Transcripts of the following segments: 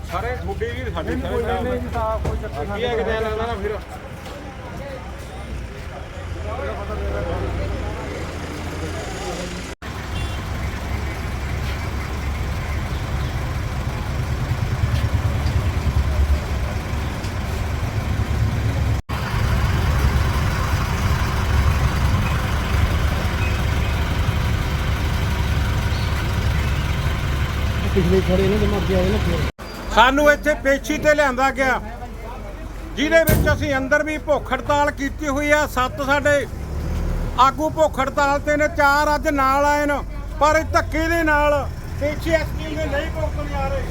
ਸਾਰੇ ਛੋਡੇ ਵੀ ਸਾਡੇ ਸਾਰੇ ਕੋਈ ਚੱਕਰ ਨਹੀਂ ਹੈ ਕਿਤੇ ਲੱਗਦਾ ਨਾ ਫਿਰ ਪਿਛਲੇ ਖੜੇ ਨੇ ਜਮਾ ਗਿਆ ਨਾ ਫਿਰ ਸਾਨੂੰ ਇੱਥੇ ਪੇਸ਼ੀ ਤੇ ਲਿਆਂਦਾ ਗਿਆ ਜਿਹਦੇ ਵਿੱਚ ਅਸੀਂ ਅੰਦਰ ਵੀ ਭੁੱਖ ਹੜਤਾਲ ਕੀਤੀ ਹੋਈ ਆ। 7 ਸਾਡੇ ਆਗੂ ਭੁੱਖ ਹੜਤਾਲ ਤੇ ਨੇ, 4 ਅੱਜ ਨਾਲ ਆਏ ਨੇ, ਪਰ ਧੱਕੇ ਦੇ ਨਾਲ ਪੇਸ਼ੀ ਐਸਪੀ ਦੇ ਨਹੀਂ ਭੁਗਤਣ ਜਾ ਰਹੇ।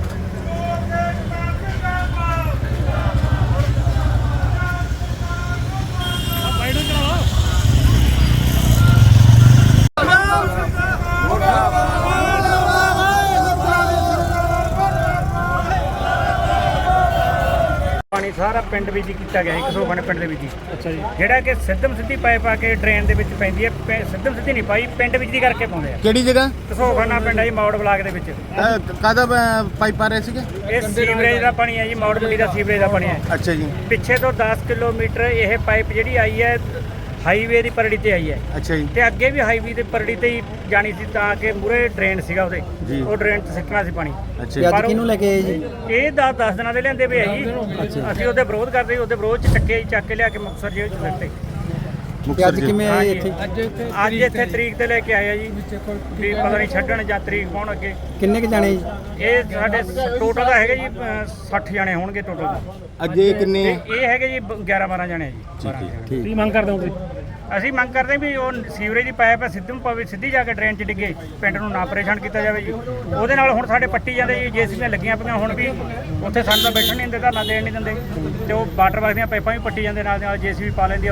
ਪਾਣੀ ਸਾਰਾ ਪਿੰਡ ਵਿੱਚ ਹੀ ਕੀਤਾ ਗਿਆ ਹੈ, ਘਸੋਖਾਨੇ ਪਿੰਡ ਦੇ ਵਿੱਚ ਹੀ। ਅੱਛਾ ਜੀ। ਜਿਹੜਾ ਕਿ ਸਿੱਧਮ ਸਿੱਧੀ ਪਾਈਪ ਆ ਕੇ ਡਰੇਨ ਦੇ ਵਿੱਚ ਪੈਂਦੀ ਹੈ, ਸਿੱਧਮ ਸਿੱਧੀ ਨਹੀਂ ਪਾਈ, ਪਿੰਡ ਵਿੱਚ ਦੀ ਕਰਕੇ ਪਾਉਂਦੇ ਆ। ਕਿਹੜੀ ਜਗ੍ਹਾ ਘਸੋਖਾਨਾ ਪਿੰਡ ਹੈ ਜੀ, ਮੌੜ ਬਲਾਕ ਦੇ ਵਿੱਚ। ਕਾਹਦਾ ਪਾਈਪ ਆ ਰਹੇ ਸੀਗੇ? ਇਹ ਸੀਵਰੇਜ ਦਾ ਪਾਣੀ ਹੈ ਜੀ, ਮੌੜ ਮੰਡੀ ਦਾ ਸੀਵਰੇਜ ਦਾ ਪਾਣੀ ਹੈ। ਅੱਛਾ ਜੀ। ਪਿੱਛੇ ਤੋਂ 10 ਕਿਲੋਮੀਟਰ ਇਹ ਪਾਈਪ ਜਿਹੜੀ ਆਈ ਹੈ ਹਾਈਵੇ ਦੀ ਪਰੜੀ ਤੇ ਆਈ ਹੈ, ਅੱਛਾ ਜੀ। ਤੇ ਅੱਗੇ ਵੀ ਹਾਈਵੇ ਦੇ ਪਰੜੀ ਤੇ ਹੀ ਜਾਣੀ ਸੀ, ਤਾਂ ਕਿ ਮੂਰੇ ਡਰੇਨ ਸੀਗਾ ਉਹਦੇ, ਜੀ। ਉਹ ਡਰੇਨ 'ਚ ਸਿੱਟਣਾ ਸੀ ਪਾਣੀ। ਅੱਛਾ ਤੇ ਜੀ। ਅੱਜ ਕਿਹਨੂੰ ਲੈ ਕੇ ਆਏ ਜੀ? ਇਹ 10 ਦਿਨਾਂ ਦੇ ਲਿਆਂਦੇ ਪਏ ਆ ਜੀ। ਅਸੀਂ ਉਹਦੇ ਵਿਰੋਧ ਕਰਦੇ ਸੀ, ਉਹਦੇ ਵਿਰੋਧ 'ਚ ਚੱਕ ਕੇ ਲਿਆ ਕੇ ਮੁਕਤਸਰ ਜੇਲ੍ਹ 'ਚ ਸਿੱਟੇ। ਤੇ ਅੱਜ ਕਿਵੇਂ ਆਏ ਇੱਥੇ? ਅੱਜ ਇੱਥੇ ਤਰੀਕ ਤੇ ਲੈ ਕੇ ਆਏ ਆ ਜੀ, ਵੀ ਪਤਾ ਨਹੀਂ ਛੱਡਣ ਜਾਂ ਤਰੀਕ ਪਾਉਣ ਅੱਗੇ। ਕਿੰਨੇ ਕ ਜਾਣੇ ਜੀ? ਇਹ ਸਾਡੇ ਟੋਟਲ ਦਾ ਹੈਗਾ ਜੀ 60 ਜਾਣੇ ਹੋਣਗੇ ਟੋਟਲ। ਅੱਜ ਇਹ ਕਿੰਨੇ ਇਹ ਹੈਗੇ ਜੀ 11-12 ਜਾਣੇ ਜੀ। ਠੀਕ ਹੈ। ਕੀ ਮੰਗ ਕਰਦੇ ਹੋ ਤੁਸੀਂ? ਅਸੀਂ ਮੰਗ ਕਰਦੇ ਹਾਂ ਵੀ ਉਹ ਸੀਵਰੇਜ ਦੀ ਪਾਈਪ ਹੈ ਸਿੱਧੂ ਪਵੇ, ਸਿੱਧੀ ਜਾ ਕੇ ਡਰੇਨ 'ਚ ਡਿੱਗੇ, ਪਿੰਡ ਨੂੰ ਨਾ ਪਰੇਸ਼ਾਨ ਕੀਤਾ ਜਾਵੇ ਜੀ। ਉਹਦੇ ਨਾਲ ਹੁਣ ਸਾਡੇ ਪੱਟੀ ਜਾਂਦੇ ਜੀ, ਜੇਸੀਬੀਆਂ ਲੱਗੀਆਂ ਪਈਆਂ, ਹੁਣ ਵੀ ਉੱਥੇ ਸਾਨੂੰ ਤਾਂ ਬੈਠਣ ਨਹੀਂ ਦਿੰਦੇ, ਧਰਨਾ ਦੇਣ ਨਹੀਂ ਦਿੰਦੇ, ਤੇ ਉਹ ਵਾਟਰ ਵਰਕ ਦੀਆਂ ਪਾਈਪਾਂ ਵੀ ਪੱਟੀ ਜਾਂਦੇ, ਨਾਲ ਜੇਸੀਬੀ ਪਾ ਲੈਂਦੀ ਆ,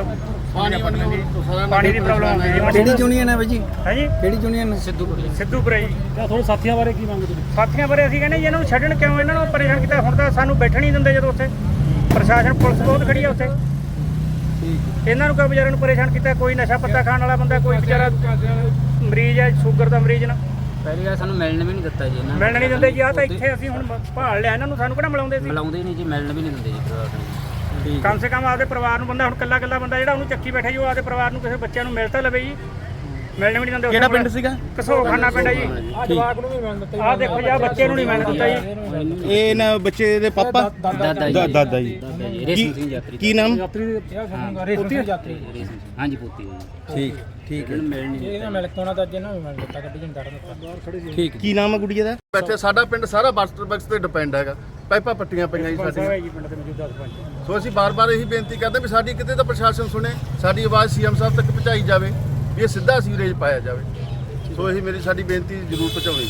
ਪਾਣੀ ਦੀ ਪ੍ਰੋਬਲਮ ਆਉਂਦੀ ਜੀ। ਕਿਹੜੀ ਯੂਨੀਅਨ ਹੈ ਬਾਈ ਜੀ? ਹੈ ਜੀ ਕਿਹੜੀ ਯੂਨੀਅਨ? ਸਿੱਧੂਪੁਰੇ ਜੀ। ਤੁਹਾਨੂੰ ਸਾਥੀਆਂ ਬਾਰੇ ਕੀ ਮੰਗਦੇ? ਸਾਥੀਆਂ ਬਾਰੇ ਅਸੀਂ ਕਹਿੰਦੇ ਜੀ ਇਹਨਾਂ ਨੂੰ ਛੱਡਣ ਕਿਉਂ, ਇਹਨਾਂ ਨੂੰ ਪਰੇਸ਼ਾਨ ਕੀਤਾ। ਹੁਣ ਤਾਂ ਸਾਨੂੰ ਬੈਠਣ ਨਹੀਂ ਦਿੰਦੇ, ਜਦੋਂ ਉੱਥੇ ਪ੍ਰਸ਼ਾਸਨ ਪੁਲਿਸ ਬਹੁਤ ਖੜੀ ਆ ਉੱਥੇ। ਇਹਨਾਂ ਨੂੰ ਕਿਉਂ ਵਿਚਾਰਿਆਂ ਨੂੰ ਪਰੇਸ਼ਾਨ ਕੀਤਾ? ਕੋਈ ਨਸ਼ਾ ਪੱਤਾ ਖਾਣ ਵਾਲਾ ਬੰਦਾ, ਕੋਈ ਵਿਚਾਰਾ ਮਰੀਜ਼ ਹੈ, ਸ਼ੂਗਰ ਦਾ ਮਰੀਜ਼ ਨਾ। ਪਹਿਲੀ ਗੱਲ ਸਾਨੂੰ ਮਿਲਣ ਵੀ ਨਹੀਂ ਦਿੱਤਾ ਜੀ, ਇਹਨਾਂ ਮਿਲਣ ਨਹੀਂ ਦਿੰਦੇ ਜੀ। ਆ ਤਾਂ ਇੱਥੇ ਅਸੀਂ ਹੁਣ ਭਾਲ ਲਿਆ ਇਹਨਾਂ ਨੂੰ, ਸਾਨੂੰ ਕਿਹੜਾ ਮਿਲਾਉਂਦੇ ਸੀ? ਮਿਲਾਉਂਦੇ ਨਹੀਂ ਜੀ, ਮਿਲਣ ਵੀ ਨਹੀਂ ਦਿੰਦੇ ਜੀ ਪਰਿਵਾਰ ਨੂੰ। ਕਮ ਸੇ ਕਮ ਆਪਦੇ ਪਰਿਵਾਰ ਨੂੰ ਬੰਦਾ, ਹੁਣ ਕੱਲਾ ਬੰਦਾ ਜਿਹੜਾ ਉਹਨੂੰ ਚੱਕੀ ਬੈਠਾ ਜੀ, ਉਹ ਆਪਦੇ ਪਰਿਵਾਰ ਨੂੰ, ਕਿਸੇ ਬੱਚਿਆਂ ਨੂੰ ਮਿਲ ਤਾਂ ਲਵੇ ਜੀ। ਮਿਲਣ ਵੀ ਨਹੀਂ ਦਿੰਦੇ। ਕਿਹੜਾ ਪਿੰਡ ਸੀਗਾ? ਘਸੋਖਾਨਾ ਪਿੰਡ ਹੈ ਜੀ। ਆਹ ਦੇਖੋ ਜੀ, ਆਹ ਬੱਚੇ ਨੂੰ ਨਹੀਂ ਮਿਲਣ ਦਿੱਤਾ ਜੀ। ਇਹ ਨਾ ਬੱਚੇ ਦੇ ਪਾਪਾ ਦਾਦਾ ਜੀ। ਦਾਦਾ ਜੀ। ਰੇਸ਼ਮ ਸਿੰਘ ਯਾਤਰੀ। ਕੀ ਨਾਮ? ਹਾਂਜੀ ਪੋਤੀ ਹੈ ਜੀ। ਠੀਕ ਹੈ। ਮਿਲਣ ਨਹੀਂ ਠੀਕ। ਕੀ ਨਾਮ ਹੈ ਗੁੜੀਆ ਦਾ? ਇੱਥੇ ਸਾਡਾ ਪਿੰਡ ਸਾਰਾ ਵਾਟਰ ਬਕਸ ਤੇ ਡਿਪੈਂਡ ਹੈਗਾ, ਪਾਈਪਾਂ ਪੱਟੀਆਂ ਪਈਆਂ ਜੀ ਸਾਡੀਆਂ। ਜੀ ਪਿੰਡ ਦੇ ਮੌਜੂਦਾ ਸਰਪੰਚ। ਸੋ ਅਸੀਂ ਬਾਰ-ਬਾਰ ਇਹੀ ਬੇਨਤੀ ਕਰਦੇ ਵੀ ਸਾਡੀ ਕਿਤੇ ਤਾਂ ਪ੍ਰਸ਼ਾਸਨ ਸੁਣੇ, ਸਾਡੀ ਆਵਾਜ਼ ਸੀਐਮ ਸਾਹਿਬ ਤੱਕ ਪਹੁੰਚਾਈ ਜਾਵੇ, ਵੀ ਇਹ ਸਿੱਧਾ ਸੀਵਰੇਜ ਪਾਇਆ ਜਾਵੇ। ਸੋ ਇਹੀ ਸਾਡੀ ਬੇਨਤੀ ਜ਼ਰੂਰ ਪਹੁੰਚਾਉਣੀ।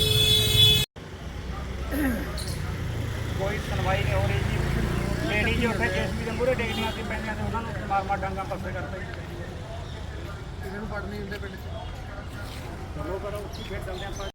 ਕੋਈ ਸੁਣਵਾਈ ਨਹੀਂ ਹੋ ਰਹੀ ਜੀ। ਲੇਡੀ ਜੀ ਉੱਥੇ ਜੇਸੀਬੀ ਦੇ ਮੂਹਰੇ ਡੇਗਦੀਆਂ ਸੀ ਪੈਂਦੀਆਂ, ਤੇ ਉਹਨਾਂ ਨੂੰ ਮਾਰ ਡਾਂਗਾ ਪਾਸੇ ਕਰਦੇ ਕਿਸੇ ਨੂੰ ਪੜਨੀ ਹੁੰਦੇ ਪਿੰਡ 'ਚ। ਚਲੋ ਕਰੋ, ਉੱਥੇ ਫੇਰ ਚੱਲਦੇ ਆਪਾਂ।